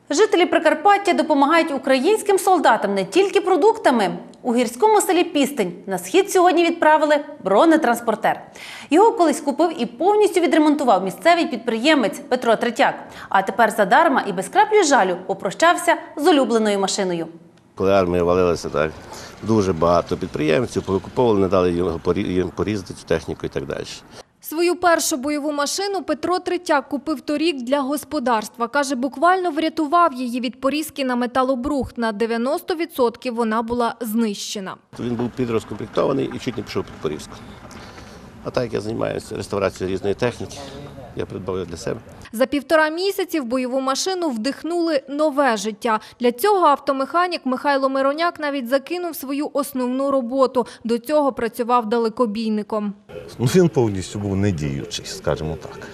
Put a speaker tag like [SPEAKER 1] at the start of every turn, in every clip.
[SPEAKER 1] Жителі Прикарпаття допомагають українським солдатам не тільки продуктами. У гірському селі Пістинь на схід сьогодні відправили бронетранспортер. Його колись купив і повністю відремонтував місцевий підприємець Петро Третяк. А тепер задарма і без краплі жалю попрощався з улюбленою машиною.
[SPEAKER 2] Коли армія валилася, так, дуже багато підприємців повикуповували, не дали їм порізати цю техніку і так далі.
[SPEAKER 3] Свою першу бойову машину Петро Третяк купив торік для господарства. Каже, буквально врятував її від порізки на металобрухт. На 90% вона була знищена.
[SPEAKER 2] Він був підрозкомплектований і чуть не пішов під порізку. А так як я займаюся реставрацією різної техніки, я придбав її для себе.
[SPEAKER 3] За 1,5 місяці в бойову машину вдихнули нове життя. Для цього автомеханік Михайло Мироняк навіть закинув свою основну роботу. До цього працював далекобійником.
[SPEAKER 4] Він повністю був недіючий, скажімо так.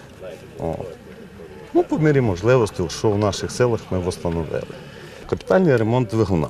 [SPEAKER 4] По мірі можливостей, що в наших селах ми встановили. Капітальний ремонт двигуна,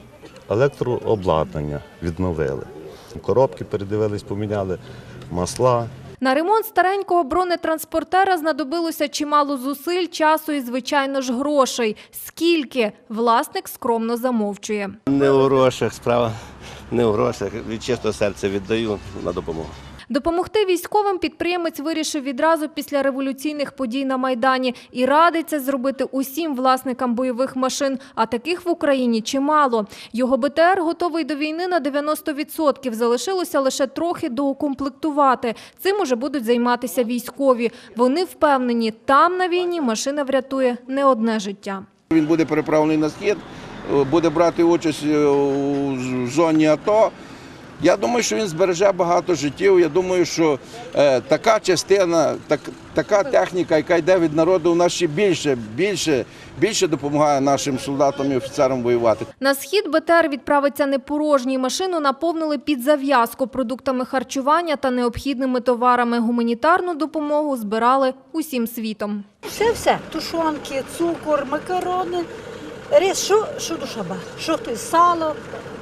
[SPEAKER 4] електрообладнання відновили, коробки передивились, поміняли, масла.
[SPEAKER 3] На ремонт старенького бронетранспортера знадобилося чимало зусиль, часу і, звичайно ж, грошей. Скільки? Власник скромно замовчує.
[SPEAKER 2] Не у грошах справа, не у грошах. Від чистого серця віддаю на допомогу.
[SPEAKER 3] Допомогти військовим підприємець вирішив відразу після революційних подій на Майдані і радиться зробити усім власникам бойових машин, а таких в Україні чимало. Його БТР готовий до війни на 90%, залишилося лише трохи доукомплектувати. Цим уже будуть займатися військові. Вони впевнені, там на війні машина врятує не одне життя.
[SPEAKER 5] Він буде переправлений на схід, буде брати участь у зоні АТО. Я думаю, що він збереже багато життів. Я думаю, що така частина, така техніка, яка йде від народу, у нас ще більше допомагає нашим солдатам і офіцерам воювати.
[SPEAKER 3] На схід БТР відправиться не порожній. Машину наповнили під зав'язку продуктами харчування та необхідними товарами. Гуманітарну допомогу збирали усім світом.
[SPEAKER 6] Все. Тушонки, цукор, макарони, рис, що душа ба, що то сало.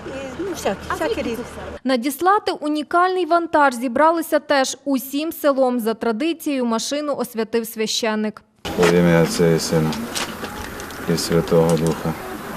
[SPEAKER 6] Всякі різні.
[SPEAKER 3] Надіслати унікальний вантаж зібралися теж усім селом. За традицією машину освятив священник.
[SPEAKER 7] Во ім'я Отця і Сина і Святого Духа.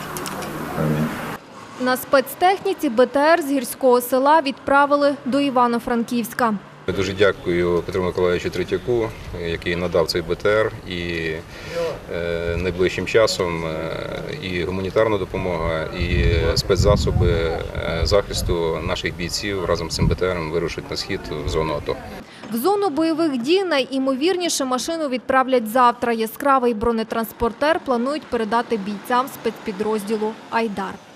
[SPEAKER 7] Амінь.
[SPEAKER 3] На спецтехніці БТР з гірського села відправили до Івано-Франківська.
[SPEAKER 8] Я дуже дякую Петру Миколаївичу Третяку, який надав цей БТР, і найближчим часом і гуманітарна допомога, і спецзасоби захисту наших бійців разом з цим БТРом вирушать на схід в зону АТО.
[SPEAKER 3] В зону бойових дій найімовірніше машину відправлять завтра. Яскравий бронетранспортер планують передати бійцям спецпідрозділу «Айдар».